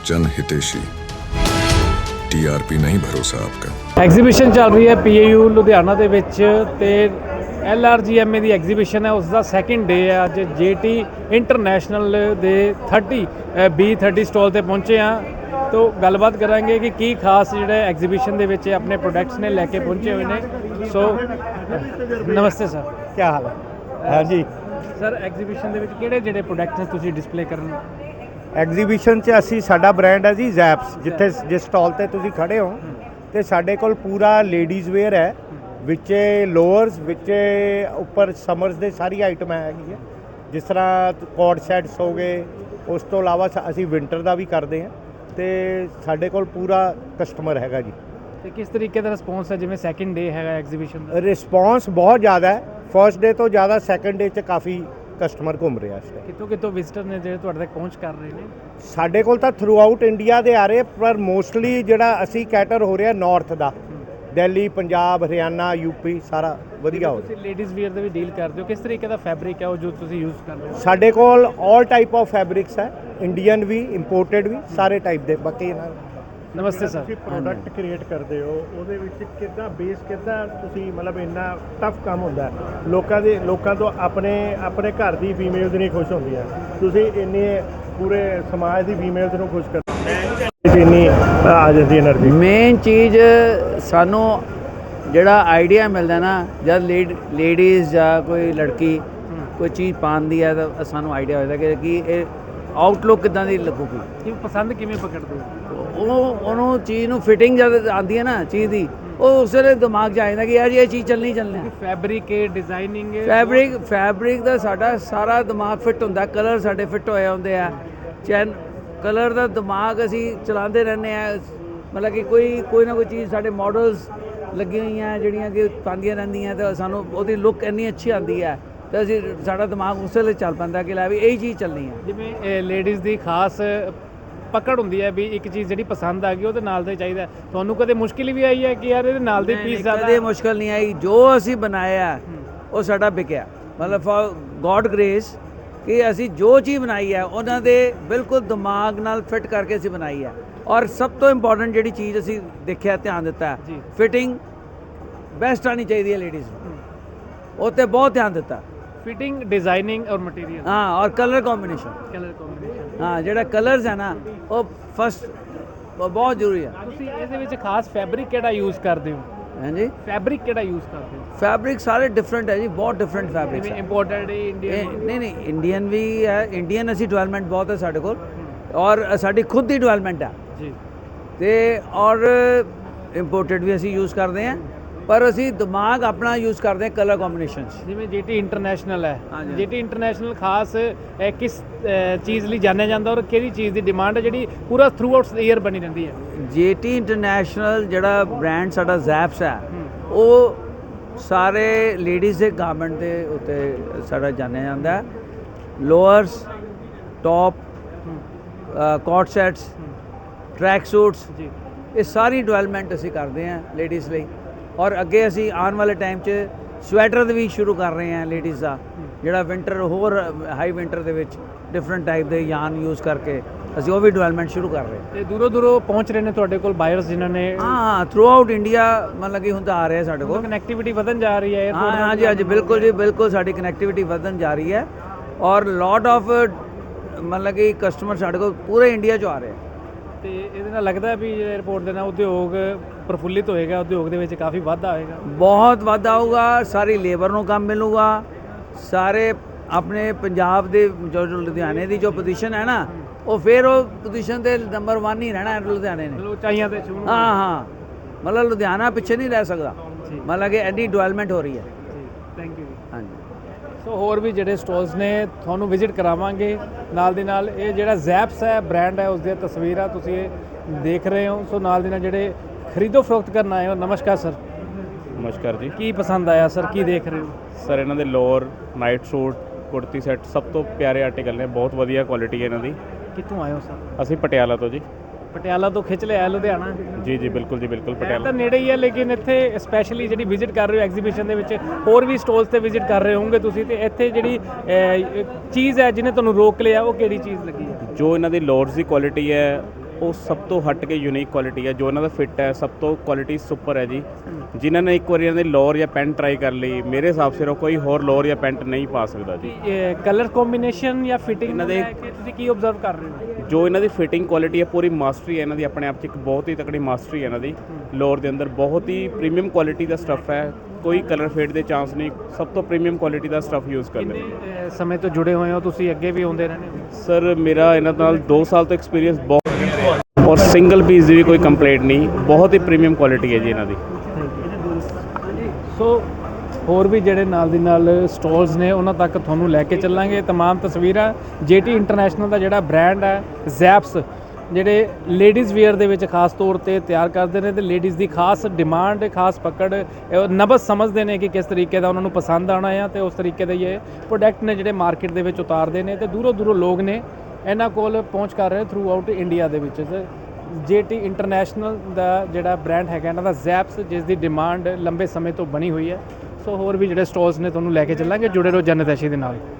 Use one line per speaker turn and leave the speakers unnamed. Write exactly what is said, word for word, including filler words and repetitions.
जन हितेशी। टीआरपी नहीं भरोसा आपका।
ਐਗਜ਼ੀਬਿਸ਼ਨ ਚੱਲ ਰਹੀ ਹੈ ਪੀਏਯੂ ਲੁਧਿਆਣਾ ਦੇ ਵਿੱਚ ਤੇ L R G M A ਦੀ ਐਗਜ਼ੀਬਿਸ਼ਨ ਹੈ, ਉਸ ਦਾ ਸੈਕਿੰਡ ਡੇ ਹੈ ਅੱਜ। ਜੇਟੀ ਇੰਟਰਨੈਸ਼ਨਲ ਦੇ ਥਰਟੀ ਬੀ ਥਰਟੀ ਸਟਾਲ ਤੇ ਪਹੁੰਚੇ ਆ, तो गलबात करांगे कि की खास जो एग्जीबिशन ਦੇ ਵਿੱਚ अपने प्रोडक्ट्स ने लैके पहुंचे हुए ने। सो नमस्ते सर,
क्या हाल है? हाँ जी,
सर एग्जीबिशन ਦੇ ਵਿੱਚ ਕਿਹੜੇ ਜਿਹੜੇ ਪ੍ਰੋਡਕਟਸ ਨੇ ਤੁਸੀਂ ਡਿਸਪਲੇ ਕਰਨ?
ਐਗਜ਼ੀਬਿਸ਼ਨ 'ਚ ਅਸੀਂ ਸਾਡਾ ਬ੍ਰਾਂਡ ਹੈ ਜੀ ਜ਼ੈਪਸ। ਜਿੱਥੇ ਜਿਸ ਸਟਾਲ ਤੇ ਤੁਸੀਂ ਖੜੇ ਹੋ ਤੇ ਸਾਡੇ ਕੋਲ ਪੂਰਾ ਲੇਡੀਜ਼ ਵੇਅਰ ਹੈ, ਵਿੱਚ ਲੋਅਰਸ, ਵਿੱਚ ਉੱਪਰ ਸਮਰਸ ਦੇ ਸਾਰੀ ਆਈਟਮਾਂ ਹੈਗੀ ਹੈ, ਜਿਸ ਤਰ੍ਹਾਂ ਕੋਟ ਸੈਟਸ ਹੋ ਗਏ। ਉਸ ਤੋਂ ਇਲਾਵਾ ਅਸੀਂ ਵਿੰਟਰ ਦਾ ਵੀ ਕਰਦੇ ਹਾਂ ਤੇ ਸਾਡੇ ਕੋਲ ਪੂਰਾ ਕਸਟਮਰ ਹੈਗਾ ਜੀ।
ਤੇ ਕਿਸ ਤਰੀਕੇ ਦਾ ਰਿਸਪੌਂਸ ਹੈ ਜਿਵੇਂ ਸੈਕਿੰਡ ਡੇ ਹੈਗਾ ਐਗਜ਼ੀਬਿਸ਼ਨ ਦਾ?
ਰਿਸਪੌਂਸ ਬਹੁਤ ਜ਼ਿਆਦਾ ਹੈ, ਫਰਸਟ ਡੇ ਤੋਂ ਜ਼ਿਆਦਾ ਸੈਕਿੰਡ ਡੇ 'ਚ ਕਾਫੀ ਕਸਟਮਰ ਘੁੰਮ ਰਿਹਾ ਇਸ ਟਾਈਮ।
ਕਿਤੋਂ ਕਿਤੋਂ ਵਿਜ਼ਿਟਰ ਨੇ ਜਿਹੜੇ ਤੁਹਾਡੇ ਤੱਕ ਪਹੁੰਚ ਕਰ ਰਹੇ ਨੇ?
ਸਾਡੇ ਕੋਲ ਤਾਂ ਥਰੂ ਆਊਟ ਇੰਡੀਆ ਦੇ ਆ ਰਹੇ, ਪਰ ਮੋਸਟਲੀ ਜਿਹੜਾ ਅਸੀਂ ਕੈਟਰ ਹੋ ਰਿਹਾ ਨਾਰਥ ਦਾ, ਦਿੱਲੀ, ਪੰਜਾਬ, ਹਰਿਆਣਾ, ਯੂਪੀ, ਸਾਰਾ ਵਧੀਆ ਹੋ ਰਿਹਾ।
ਤੁਸੀਂ ਲੇਡੀਜ਼ ਵੀਅਰ ਦੇ ਵੀ ਡੀਲ ਕਰਦੇ ਹੋ, ਕਿਸ ਤਰੀਕੇ ਦਾ ਫੈਬਰਿਕ ਹੈ ਉਹ ਜੋ ਤੁਸੀਂ ਯੂਜ਼ ਕਰਦੇ ਹੋ?
ਸਾਡੇ ਕੋਲ ਆਲ ਟਾਈਪ ਆਫ ਫੈਬਰਿਕਸ ਹੈ, ਇੰਡੀਅਨ ਵੀ, ਇੰਪੋਰਟਡ ਵੀ, ਸਾਰੇ ਟਾਈਪ ਦੇ। ਬਾਕੀ ਇਹਨਾਂ
ਨਮਸਤੇ ਸਰ।
ਤੁਸੀਂ ਪ੍ਰੋਡਕਟ ਕ੍ਰੀਏਟ ਕਰਦੇ ਹੋ, ਉਹਦੇ ਵਿੱਚ ਕਿੱਦਾਂ ਬੇਸ ਕਿੱਦਾਂ ਤੁਸੀਂ ਮਤਲਬ ਇੰਨਾ ਟਫ ਕੰਮ ਹੁੰਦਾ ਹੈ। ਲੋਕਾਂ ਦੇ ਲੋਕਾਂ ਤੋਂ ਆਪਣੇ ਆਪਣੇ ਘਰ ਦੀ ਫੀਮੇਲਸ ਨਹੀਂ ਖੁਸ਼ ਹੁੰਦੀਆਂ, ਤੁਸੀਂ ਇੰਨੇ ਪੂਰੇ ਸਮਾਜ ਦੀ ਫੀਮੇਲਸ ਨੂੰ ਖੁਸ਼ ਕਰਦੇ, ਇੰਨੀ ਆ ਜਾਂਦੀ એનર્ਜੀ।
ਮੇਨ ਚੀਜ਼ ਸਾਨੂੰ ਜਿਹੜਾ ਆਈਡੀਆ ਮਿਲਦਾ ਨਾ, ਜਦ ਲੇਡ ਲੇਡੀਜ਼ ਜਾਂ ਕੋਈ ਲੜਕੀ ਕੋਈ ਚੀਜ਼ ਪਾਉਂਦੀ ਹੈ ਤਾਂ ਸਾਨੂੰ ਆਈਡੀਆ ਹੋਦਾ ਕਿ ਕੀ ਇਹ ਆਊਟਲੁੱਕ ਕਿੱਦਾਂ ਦੀ ਲੱਗੂਗੀ,
ਕਿ ਪਸੰਦ ਕਿਵੇਂ ਪਕੜਦੇ ਹੋ?
ਉਹ ਉਹਨੂੰ ਚੀਜ਼ ਨੂੰ ਫਿਟਿੰਗ ਜਦ ਆਉਂਦੀ ਹੈ ਨਾ ਚੀਜ਼ ਦੀ, ਉਹ ਉਸ ਵੇਲੇ ਦਿਮਾਗ 'ਚ ਆ ਜਾਂਦਾ ਕਿ ਯਾਰ ਇਹ ਚੀਜ਼ ਚੱਲਣੀ ਚੱਲਣੀ ਹੈ।
ਫੈਬਰਿਕ ਹੈ, ਡਿਜ਼ਾਈਨਿੰਗ ਹੈ,
ਫੈਬਰਿਕ ਫੈਬਰਿਕ ਦਾ ਸਾਡਾ ਸਾਰਾ ਦਿਮਾਗ ਫਿੱਟ ਹੁੰਦਾ, ਕਲਰ ਸਾਡੇ ਫਿੱਟ ਹੋਏ ਹੁੰਦੇ ਆ। ਚੈਨ ਕਲਰ ਦਾ ਦਿਮਾਗ ਅਸੀਂ ਚਲਾਉਂਦੇ ਰਹਿੰਦੇ ਆ, ਮਤਲਬ ਕਿ ਕੋਈ ਕੋਈ ਨਾ ਕੋਈ ਚੀਜ਼ ਸਾਡੇ ਮਾਡਲਸ ਲੱਗੀਆਂ ਹੋਈਆਂ ਜਿਹੜੀਆਂ ਕਿ ਪਾਉਂਦੀਆਂ ਰਹਿੰਦੀਆਂ, ਤਾਂ ਸਾਨੂੰ ਉਹਦੀ ਲੁੱਕ ਇੰਨੀ ਅੱਛੀ ਆਉਂਦੀ ਹੈ ਤਾਂ ਅਸੀਂ ਸਾਡਾ ਦਿਮਾਗ ਉਸ ਵੇਲੇ ਚੱਲ ਪੈਂਦਾ ਕਿ ਲੈ ਵੀ ਇਹੀ ਚੀਜ਼ ਚੱਲਣੀ ਹੈ।
ਜਿਵੇਂ ਲੇਡੀਜ਼ ਦੀ ਖਾਸ ਪਕੜ ਹੁੰਦੀ ਹੈ ਵੀ ਇੱਕ ਚੀਜ਼ ਜਿਹੜੀ ਪਸੰਦ ਆ ਗਈ ਉਹਦੇ ਨਾਲ ਦਾ ਚਾਹੀਦਾ। ਤੁਹਾਨੂੰ ਕਦੇ ਮੁਸ਼ਕਿਲ ਵੀ ਆਈ ਹੈ ਕਿ ਯਾਰ ਇਹਦੇ ਨਾਲ ਦੇ ਪੀਸ ਜ਼ਿਆਦਾ?
ਕਦੇ ਮੁਸ਼ਕਿਲ ਨਹੀਂ ਆਈ, ਜੋ ਅਸੀਂ ਬਣਾਇਆ ਉਹ ਸਾਡਾ ਵਿਕਿਆ। ਮਤਲਬ ਫॉर ਗॉड ਗ੍ਰੇਸ ਕਿ ਅਸੀਂ ਜੋ ਚੀਜ਼ ਬਣਾਈ ਹੈ ਉਹਨਾਂ ਦੇ ਬਿਲਕੁਲ ਦਿਮਾਗ ਨਾਲ ਫਿੱਟ ਕਰਕੇ ਅਸੀਂ ਬਣਾਈ ਹੈ। ਔਰ ਸਭ ਤੋਂ ਇੰਪੋਰਟੈਂਟ ਜਿਹੜੀ ਚੀਜ਼ ਅਸੀਂ ਦੇਖਿਆ, ਧਿਆਨ ਦਿੱਤਾ, ਫਿਟਿੰਗ ਬੈਸਟ ਆਉਣੀ ਚਾਹੀਦੀ ਹੈ ਲੇਡੀਜ਼ ਨੂੰ, ਉਹ 'ਤੇ ਬਹੁਤ ਧਿਆਨ ਦਿੱਤਾ।
ਫਿਟਿੰਗ, ਡਿਜ਼ਾਈਨਿੰਗ ਔਰ ਮਟੀਰੀਅਲ,
ਹਾਂ, ਔਰ ਕਲਰ ਕੰਬੀਨੇਸ਼ਨ।
ਕਲਰ ਕੰਬੀਨੇਸ਼ਨ,
ਹਾਂ, ਜਿਹੜਾ ਕਲਰਸ ਹੈ ਨਾ ਉਹ ਫਸਟ ਬਹੁਤ ਜ਼ਰੂਰੀ ਹੈ।
ਤੁਸੀਂ ਇਹਦੇ ਵਿੱਚ ਖਾਸ ਫੈਬਰਿਕ ਕਿਹੜਾ ਯੂਜ਼ ਕਰਦੇ ਹੋ?
ਹਾਂਜੀ,
ਫੈਬਰਿਕ ਕਿਹੜਾ ਯੂਜ਼ ਕਰਦੇ ਹੋ?
ਫੈਬਰਿਕ ਸਾਰੇ ਡਿਫਰੈਂਟ ਹੈ ਜੀ, ਬਹੁਤ ਡਿਫਰੈਂਟ ਫੈਬਰਿਕਸ
ਜਿਵੇਂ
ਹੈ।
ਇੰਪੋਰਟਡ ਹੈ, ਇੰਡੀਅਨ?
ਨਹੀਂ ਨਹੀਂ, ਇੰਡੀਅਨ ਵੀ ਹੈ, ਇੰਡੀਅਨ ਅਸੀਂ ਡਿਵੈਲਪਮੈਂਟ ਬਹੁਤ ਹੈ ਸਾਡੇ ਕੋਲ, ਔਰ ਸਾਡੀ ਖੁਦ ਦੀ ਡਿਵੈਲਪਮੈਂਟ ਹੈ
ਜੀ।
ਤੇ ਔਰ ਇੰਪੋਰਟਡ ਵੀ ਅਸੀਂ ਯੂਜ਼ ਕਰਦੇ ਹਾਂ, ਪਰ ਅਸੀਂ ਦਿਮਾਗ ਆਪਣਾ ਯੂਜ਼ ਕਰਦੇ ਹਾਂ ਕਲਰ ਕੰਬੀਨੇਸ਼ਨਸ।
ਜਿਵੇਂ ਜੀਟੀ ਇੰਟਰਨੈਸ਼ਨਲ ਹੈ,
ਹਾਂਜੀ।
ਜੀਟੀ ਇੰਟਰਨੈਸ਼ਨਲ ਖਾਸ ਅਹ, ਕਿਸ ਅਹ, ਚੀਜ਼ ਲਈ ਜਾਣਿਆ ਜਾਂਦਾ ਔਰ ਕਿਹੜੀ ਚੀਜ਼ ਦੀ ਡਿਮਾਂਡ ਹੈ ਜਿਹੜੀ ਪੂਰਾ ਥਰੂ ਆਊਟ ਈਅਰ ਬਣੀ ਰਹਿੰਦੀ ਹੈ?
ਜੇਟੀ ਇੰਟਰਨੈਸ਼ਨਲ ਜਿਹੜਾ ਬ੍ਰਾਂਡ ਸਾਡਾ ਜ਼ੈਪਸ ਹੈ, ਉਹ ਸਾਰੇ ਲੇਡੀਜ਼ ਦੇ ਗਾਰਮੈਂਟ ਦੇ ਉੱਤੇ ਸਾਡਾ ਜਾਣਿਆ ਜਾਂਦਾ ਹੈ। Lowers, top, coat sets, track suits,
ਜੀ,
ਇਹ ਸਾਰੀ ਡਿਵੈਲਪਮੈਂਟ ਅਸੀਂ ਕਰਦੇ ਹਾਂ ਲੇਡੀਜ਼ ਲਈ। ਔਰ ਅੱਗੇ ਅਸੀਂ ਆਉਣ ਵਾਲੇ ਟਾਈਮ 'ਚ ਸਵੈਟਰ ਵੀ ਸ਼ੁਰੂ ਕਰ ਰਹੇ ਹਾਂ ਲੇਡੀਜ਼ ਦਾ, ਜਿਹੜਾ ਵਿੰਟਰ ਹੋਰ ਹਾਈ ਵਿੰਟਰ ਦੇ ਵਿੱਚ ਡਿਫਰੈਂਟ ਟਾਈਪ ਦੇ ਯਾਨ ਯੂਜ਼ ਕਰਕੇ ਅਸੀਂ ਉਹ ਵੀ ਡਿਵੈਲਪਮੈਂਟ ਸ਼ੁਰੂ ਕਰ ਰਹੇ ਹਾਂ।
ਤੇ ਦੂਰੋਂ ਦੂਰੋਂ ਪਹੁੰਚ ਰਹੇ ਨੇ ਤੁਹਾਡੇ ਕੋਲ ਬਾਇਰਸ ਜਿਨ੍ਹਾਂ ਨੇ?
ਹਾਂ, ਥਰੂ ਆਊਟ ਇੰਡੀਆ ਮਤਲਬ ਕਿ ਹੁੰਦਾ ਆ ਰਿਹਾ ਸਾਡੇ ਕੋਲ।
ਕਨੈਕਟੀਵਿਟੀ ਵਧਣ ਜਾ ਰਹੀ ਹੈ?
ਹਾਂ ਹਾਂ ਜੀ, ਅੱਜ ਬਿਲਕੁਲ ਜੀ, ਬਿਲਕੁਲ ਸਾਡੀ ਕਨੈਕਟੀਵਿਟੀ ਵਧਣ ਜਾ ਰਹੀ ਹੈ, ਔਰ ਲੋਟ ਆਫ ਮਤਲਬ ਕਿ ਕਸਟਮਰ ਸਾਡੇ ਕੋਲ ਪੂਰੇ ਇੰਡੀਆ 'ਚੋਂ ਆ ਰਹੇ ਆ।
ਤੇ ਇਹਦੇ ਨਾਲ ਲੱਗਦਾ ਵੀ 에ਅਰਪੋਰਟ ਦੇ ਨਾਲ ਉਦਯੋਗ ਪ੍ਰਫੁੱਲਿਤ ਹੋਏਗਾ, ਉਦਯੋਗ ਦੇ ਵਿੱਚ ਕਾਫੀ ਵਾਧਾ ਹੋਏਗਾ?
ਬਹੁਤ ਵਾਧਾ ਆਊਗਾ, ਸਾਰੀ ਲੇਬਰ ਨੂੰ ਕੰਮ ਮਿਲੂਗਾ, ਸਾਰੇ ਆਪਣੇ ਪੰਜਾਬ ਦੇ ਜੋ ਲੁਧਿਆਣੇ ਦੀ ਜੋ ਪੋਜੀਸ਼ਨ ਹੈ ਨਾ, ਉਹ ਫਿਰ ਉਹ ਪੋਜੀਸ਼ਨ 'ਤੇ ਨੰਬਰ ਵਨ ਹੀ ਰਹਿਣਾ ਹੈ ਲੁਧਿਆਣੇ ਨੇ।
ਚਲੋ ਉਚਾਈਆਂ ਤੇ ਛੂਹਣ।
ਹਾਂ ਹਾਂ, ਮਤਲਬ ਲੁਧਿਆਣਾ ਪਿੱਛੇ ਨਹੀਂ ਰਹਿ ਸਕਦਾ, ਮਤਲਬ ਕਿ ਐਡੀ ਡਿਵੈਲਪਮੈਂਟ ਹੋ ਰਹੀ ਹੈ।
Thank you.
ਹਾਂਜੀ,
ਸੋ ਹੋਰ ਵੀ ਜਿਹੜੇ ਸਟਾਲਸ ਨੇ ਤੁਹਾਨੂੰ ਵਿਜ਼ਿਟ ਕਰਾਵਾਂਗੇ ਨਾਲ ਦੀ ਨਾਲ। ਇਹ ਜਿਹੜਾ ਜ਼ੈਪਸ ਹੈ ਬ੍ਰਾਂਡ ਹੈ, ਉਸ ਦੀਆਂ ਤਸਵੀਰਾਂ ਤੁਸੀਂ ਇਹ ਦੇਖ ਰਹੇ ਹੋ। ਸੋ ਨਾਲ ਦੀ ਨਾਲ ਜਿਹੜੇ ਖਰੀਦੋ ਫਰੋਖਤ ਕਰਨ ਆਏ ਹੋ, ਨਮਸਕਾਰ ਸਰ।
ਨਮਸਕਾਰ ਜੀ।
ਕੀ ਪਸੰਦ ਆਇਆ ਸਰ, ਕੀ ਦੇਖ ਰਹੇ ਹੋ?
ਸਰ ਇਹਨਾਂ ਦੇ lower, night suit, kurti set ਸਭ ਤੋਂ ਪਿਆਰੇ ਆਰਟੀਕਲ ਨੇ, ਬਹੁਤ ਵਧੀਆ ਕੁਆਲਿਟੀ ਹੈ ਇਹਨਾਂ ਦੀ।
ਕਿੱਥੋਂ ਆਏ ਹੋ ਸਰ?
ਅਸੀਂ ਪਟਿਆਲਾ ਤੋਂ ਜੀ।
ਪਟਿਆਲਾ ਤੋਂ ਖਿੱਚ ਲਿਆ ਲੁਧਿਆਣਾ?
ਜੀ ਜੀ ਬਿਲਕੁਲ ਜੀ, ਬਿਲਕੁਲ
ਇਹ
ਪਟਿਆਲਾ
ਤਾਂ ਨੇੜੇ ਹੀ ਹੈ, ਲੇਕਿਨ ਇੱਥੇ ਸਪੈਸ਼ਲੀ ਜਿਹੜੀ ਵਿਜ਼ਿਟ ਕਰ ਰਹੇ ਹੋ ਐਗਜ਼ੀਬਿਸ਼ਨ ਦੇ ਵਿੱਚ, ਹੋਰ ਵੀ ਸਟਾਲਸ ਤੇ ਵਿਜ਼ਿਟ ਕਰ ਰਹੇ ਹੋਵੋਗੇ ਤੁਸੀਂ, ਤੇ ਇੱਥੇ ਜਿਹੜੀ ਅਹ, ਚੀਜ਼ ਹੈ ਜਿਹਨੇ ਤੁਹਾਨੂੰ ਰੋਕ ਲਿਆ ਉਹ ਕਿਹੜੀ ਚੀਜ਼ ਲੱਗੀ ਹੈ?
ਜੋ ਇਹਨਾਂ ਦੀ ਲੋਅਰਸ ਦੀ ਕੁਆਲਿਟੀ ਹੈ ਉਹ ਸਭ ਤੋਂ ਹਟ ਕੇ ਯੂਨੀਕ ਕੁਆਲਿਟੀ ਹੈ। ਜੋ ਇਹਨਾਂ ਦਾ ਫਿੱਟ ਹੈ ਸਭ ਤੋਂ ਕੁਆਲਿਟੀ ਸੁਪਰ ਹੈ ਜੀ। ਜਿਨ੍ਹਾਂ ਨੇ ਇੱਕ ਵਾਰੀ ਇਹਨਾਂ ਦੀ ਲੋਅਰ ਜਾਂ ਪੈਂਟ ਟਰਾਈ ਕਰ ਲਈ, ਮੇਰੇ ਹਿਸਾਬ ਸਿਰ ਉਹ ਕੋਈ ਹੋਰ ਲੋਅਰ ਜਾਂ ਪੈਂਟ ਨਹੀਂ ਪਾ ਸਕਦਾ ਜੀ।
ਕਲਰ ਕੰਬੀਨੇਸ਼ਨ ਜਾਂ ਫਿਟਿੰਗ
ਇਹਨਾਂ ਦੇ-
ਤੁਸੀਂ ਕੀ ਆਬਜ਼ਰਵ ਕਰ ਰਹੇ ਹੋ?
ਜੋ ਇਹਨਾਂ ਦੀ ਫਿਟਿੰਗ ਕੁਆਲਿਟੀ ਹੈ, ਪੂਰੀ ਮਾਸਟਰੀ ਹੈ ਇਹਨਾਂ ਦੀ, ਆਪਣੇ ਆਪ 'ਚ ਇੱਕ ਬਹੁਤ ਹੀ ਤਕੜੀ ਮਾਸਟਰੀ ਹੈ ਇਹਨਾਂ ਦੀ। ਲੋਅਰ ਦੇ ਅੰਦਰ ਬਹੁਤ ਹੀ ਪ੍ਰੀਮੀਅਮ ਕੁਆਲਿਟੀ ਦਾ ਸਟੱਫ ਹੈ, ਕੋਈ ਕਲਰ ਫੇਡ ਦੇ ਚਾਂਸ ਨਹੀਂ, ਸਭ ਤੋਂ ਪ੍ਰੀਮੀਅਮ ਕੁਆਲਿਟੀ ਦਾ ਸਟੱਫ ਯੂਜ਼ ਕਰਦੇ ਨੇ।
ਕਿੰਨੇ ਅਹ, ਸਮੇਂ ਤੋਂ ਜੁੜੇ ਹੋਏ ਹੋ ਤੁਸੀਂ, ਅੱਗੇ ਵੀ ਆਉਂਦੇ ਰਹਿੰਦੇ ਹੋ?
ਸਰ ਮੇਰਾ ਇਹਨਾਂ ਨਾਲ ਦੋ ਸਾਲ ਤੋਂ ਐਕਸਪੀਰੀਅੰਸ ਬਹੁਤ, ਔਰ ਸਿੰਗਲ ਪੀਸ ਦੀ ਵੀ ਕੋਈ ਕੰਪਲੇਂਟ ਨਹੀਂ, ਬਹੁਤ ਹੀ ਪ੍ਰੀਮੀਅਮ ਕੁਆਲਿਟੀ ਹੈ ਜੀ ਇਹਨਾਂ ਦੀ।
ਸੋ ਹੋਰ ਵੀ ਜਿਹੜੇ ਨਾਲ ਦੀ ਨਾਲ ਸਟਾਲਸ ਨੇ ਉਹਨਾਂ ਤੱਕ ਤੁਹਾਨੂੰ ਲੈ ਕੇ ਚੱਲਾਂਗੇ। ਤਮਾਮ ਤਸਵੀਰਾਂ ਜੇਟੀ ਇੰਟਰਨੈਸ਼ਨਲ ਦਾ ਜਿਹੜਾ ਬ੍ਰਾਂਡ ਹੈ ਜ਼ੈਪਸ, ਜਿਹੜੇ ਲੇਡੀਜ਼ ਵੇਅਰ ਦੇ ਵਿੱਚ ਖਾਸ ਤੌਰ ਤੇ ਤਿਆਰ ਕਰਦੇ ਨੇ ਤੇ ਲੇਡੀਜ਼ ਦੀ ਖਾਸ ਡਿਮਾਂਡ, ਖਾਸ ਪਕੜ, ਇਹ ਨਬਜ਼ ਸਮਝਦੇ ਨੇ ਕਿ ਕਿਸ ਤਰੀਕੇ ਦਾ ਉਹਨਾਂ ਨੂੰ ਪਸੰਦ ਆਉਣਾ ਆ ਤੇ ਉਸ ਤਰੀਕੇ ਦੇ ਇਹ ਪ੍ਰੋਡਕਟ ਨੇ ਜਿਹੜੇ ਮਾਰਕੀਟ ਦੇ ਵਿੱਚ ਉਤਾਰਦੇ ਨੇ ਤੇ ਦੂਰੋਂ ਦੂਰੋਂ ਲੋਕ ਨੇ ਇਹਨਾਂ ਕੋਲ ਪਹੁੰਚ ਕਰ ਰਹੇ ਥਰੂ ਆਊਟ ਇੰਡੀਆ ਦੇ ਵਿੱਚ। ਜੇਟੀ ਇੰਟਰਨੈਸ਼ਨਲ ਦਾ ਜਿਹੜਾ ਬ੍ਰਾਂਡ ਹੈਗਾ ਇਹਨਾਂ ਦਾ ਜ਼ੈਪਸ, ਜਿਸ ਦੀ ਡਿਮਾਂਡ ਲੰਬੇ ਸਮੇਂ ਤੋਂ ਬਣੀ ਹੋਈ ਹੈ। ਸੋ ਹੋਰ ਵੀ ਜਿਹੜੇ ਸਟਾਲਸ ਨੇ ਤੁਹਾਨੂੰ ਲੈ ਕੇ ਚੱਲਾਂਗੇ, ਜੁੜੇ ਰਹੋ ਜਨਤੈਸ਼ੀ ਦੇ ਨਾਲ।